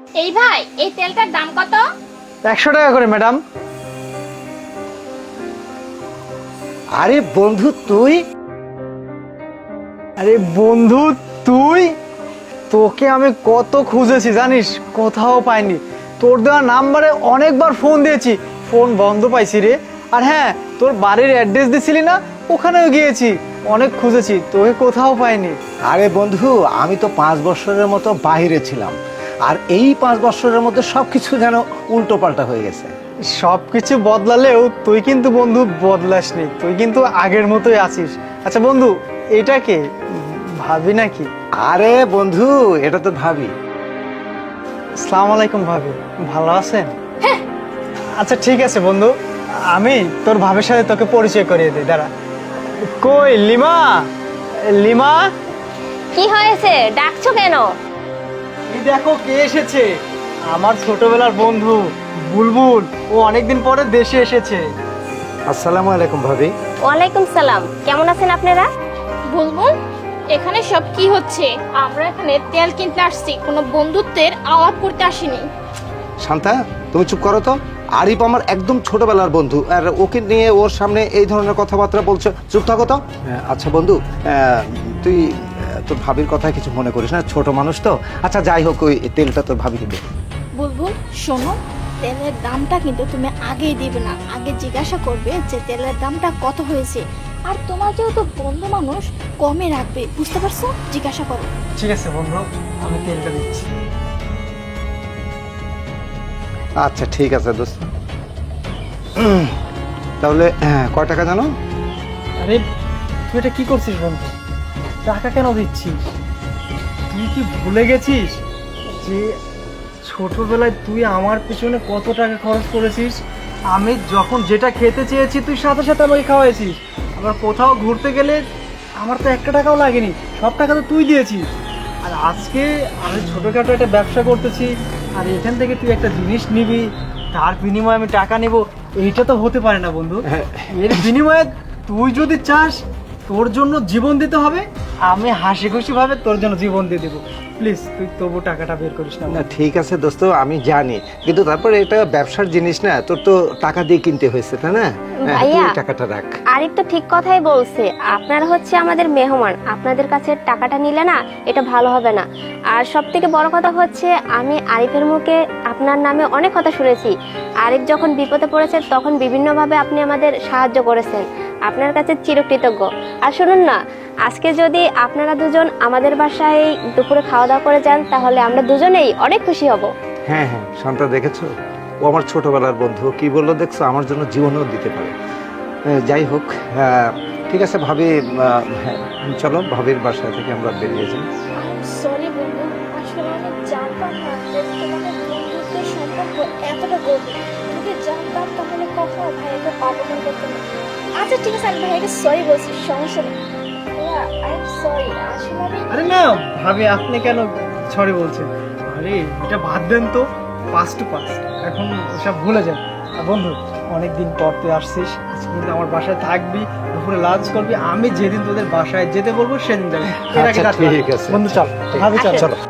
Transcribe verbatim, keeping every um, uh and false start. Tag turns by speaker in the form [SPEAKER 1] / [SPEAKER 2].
[SPEAKER 1] এই ভাই, এই তেলটার দাম কত?
[SPEAKER 2] একশো টাকা করে ম্যাডাম।
[SPEAKER 3] আরে বন্ধু তুই,
[SPEAKER 2] আরে বন্ধু তুই, তোকে আমি কত খুঁজেছি জানিস, কোথাও পাইনি। তোর দেওয়া নাম্বারে অনেকবার ফোন দিয়েছি, ফোন বন্ধ পাইছি রে। আর হ্যাঁ, তোর বাড়ির অ্যাড্রেস দিছিলি না, ওখানেও গিয়েছি, অনেক খুঁজেছি, তোকে কোথাও পাইনি।
[SPEAKER 3] আরে বন্ধু আমি তো পাঁচ বছরের মতো বাইরে ছিলাম, আর এই পাঁচ বছরের মধ্যে সবকিছু যেন উল্টো পাল্টা হয়ে গেছে।
[SPEAKER 2] সব কিছু বদলালেও তুই কিন্তু বন্ধু বদলাসনি, তুই কিন্তু আগের মতোই আছিস। আচ্ছা বন্ধু, এটা কে, ভাবি নাকি?
[SPEAKER 3] আরে বন্ধু এটা তো ভাবি।
[SPEAKER 2] আসসালামু আলাইকুম ভাবি, ভালো আছেন? আচ্ছা ঠিক আছে বন্ধু, আমি তোর ভাবির সাথে তোকে পরিচয় করিয়ে দিই, দাঁড়া। কই লিমা, লিমা,
[SPEAKER 1] কি হয়েছে, ডাকছো কেন?
[SPEAKER 2] এই দেখো কে এসেছে, আমার ছোটবেলার বন্ধু বুলবুল। ও অনেকদিন পরে দেশে এসেছে।
[SPEAKER 3] আসসালামু আলাইকুম ভাবি।
[SPEAKER 1] ওয়ালাইকুম সালাম, কেমন আছেন আপনারা?
[SPEAKER 4] বুলবুল, এখানে সব কি হচ্ছে? আমরা এখানে তেল কিনতে আসছি, কোনো বন্ধুত্বের আলাপ করতে আসিনি।
[SPEAKER 3] শান্তা তুমি চুপ করো তো। আরিফ আমার একদম ছোটবেলার বন্ধু, আর ওকে নিয়ে ওর সামনে এই ধরনের কথাবার্তা বলছো, চুপ থাকো তো। আচ্ছা বন্ধু, আহ, তুই আহ, তোর ভাবির কথা কিছু মনে করিস না, ছোট মানুষ তো। আচ্ছা যাই হোক, ওই তেলটা তোর ভাবিকে দে।
[SPEAKER 4] বুলবুল শোনো, তেলের দামটা কিন্তু তুমি আগেই দিবে না, আগে জিজ্ঞাসা করবে যে তেলের দামটা কত হয়েছে। আর তোমার যেহেতু বন্ধু মানুষ, কমে রাখবে, বুঝতে পারছো? জিজ্ঞাসা করো।
[SPEAKER 2] ঠিক আছে বন্ধু, আমি তেলটা দিচ্ছি।
[SPEAKER 3] আচ্ছা ঠিক আছে দোস্ত। উম, তাহলে হ্যাঁ, কয় টাকা জানো?
[SPEAKER 2] আরে তুই এটা কি করছিস বন্ধু, টাকা কেন দিচ্ছিস? তুই কি ভুলে গেছিস যে ছোটবেলায় তুই আমার পিছনে কত টাকা খরচ করেছিস? আমি যখন যেটা খেতে চেয়েছি তুই সাথে সাথে আমাকে খাওয়াইছিস। আবার কোথাও ঘুরতে গেলে আমার তো একটা টাকাও লাগেনি, সব টাকা তো তুই দিয়েছিস। আর আজকে আমি ছোটোখাটো একটা ব্যবসা করতেছি, আর এখান থেকে তুই একটা জিনিস নিবি, তার বিনিময়ে আমি টাকা নেব, এইটা তো হতে পারে না বন্ধু। এর বিনিময়ে তুই যদি চাস তোর জন্য জীবন দিতে হবে, আমি হাসি খুশি ভাবে তোর জন্য জীবন দিয়ে দেবো। প্লিজ তুই তবু টাকাটা বের করিস না।
[SPEAKER 3] না ঠিক আছে দোস্ত, আমি জানি, কিন্তু তারপরে এটা ব্যবসার জিনিস না, তোর তো টাকা দিয়ে কিনতে হয়েছে, তাই না? হ্যাঁ, তুই
[SPEAKER 1] ভাইয়া,
[SPEAKER 3] টাকাটা রাখ।
[SPEAKER 1] আরিফ তো ঠিক কথাই বলছে, আপনারা হচ্ছে আমাদের মেহমান, আপনাদের কাছে টাকাটা নিলে না এটা ভালো হবে না। আর সব থেকে বড় কথা হচ্ছে, আমি আরিফের মুখে আপনার নামে অনেক কথা শুনেছি। আরিফ যখন বিপদে পড়েছে তখন বিভিন্নভাবে আপনি আমাদের সাহায্য করেছেন, আপনার কাছে চিরকৃতজ্ঞ। আর শুনুন না, আজকে যদি আপনারা দুজন আমাদের বাসায় দুপুরে খাওয়া দাওয়া করে যান, তাহলে আমরা দুজনেই অনেক খুশি হব।
[SPEAKER 3] হ্যাঁ হ্যাঁ শান্তা, দেখেছো ও আমার ছোটবেলার বন্ধু কি বললো, দেখছো আমার জন্য জীবনও দিতে পারে। আহ, যাই হোক, আহ, ঠিক আছে ভাবি, আহ, হ্যাঁ, চলো ভাবির বাসা থেকে আমরা বেরিয়ে যাই।
[SPEAKER 4] সরি বুলবুল, আসলে আমি জানতাম না যে তোমাদের বন্ধুত্বের সম্পর্ক এতটা গভীর। যদি জানতাম তাহলে কখনো ভাইয়াকে অপমান করতাম না। আচ্ছা ঠিক আছে, আমি ভাইয়াকে সরি বলছি, সমস্যা নেই। ভাইয়া আই এম সরি, আসলে আমি
[SPEAKER 2] আরে না ভাবি, আপনি কেন সরি বলছেন? আরে এটা বাদ দেন তো, পাস টু পাস, এখন ওসব ভুলে যান। আর বন্ধু, অনেকদিন পর তুই আসছিস, আজকে কিন্তু আমার বাসায় থাকবি, দুপুরে লাঞ্চ করবি, আমি যেদিন তোদের বাসায় যেতে বলবো সেদিন যাবি। এর আগে
[SPEAKER 3] আচ্ছা,
[SPEAKER 2] রাত না।
[SPEAKER 3] ঠিক আছে।
[SPEAKER 2] বন্ধু চল,
[SPEAKER 3] ঠিক
[SPEAKER 2] ভাবি চল
[SPEAKER 3] আছে, চলো।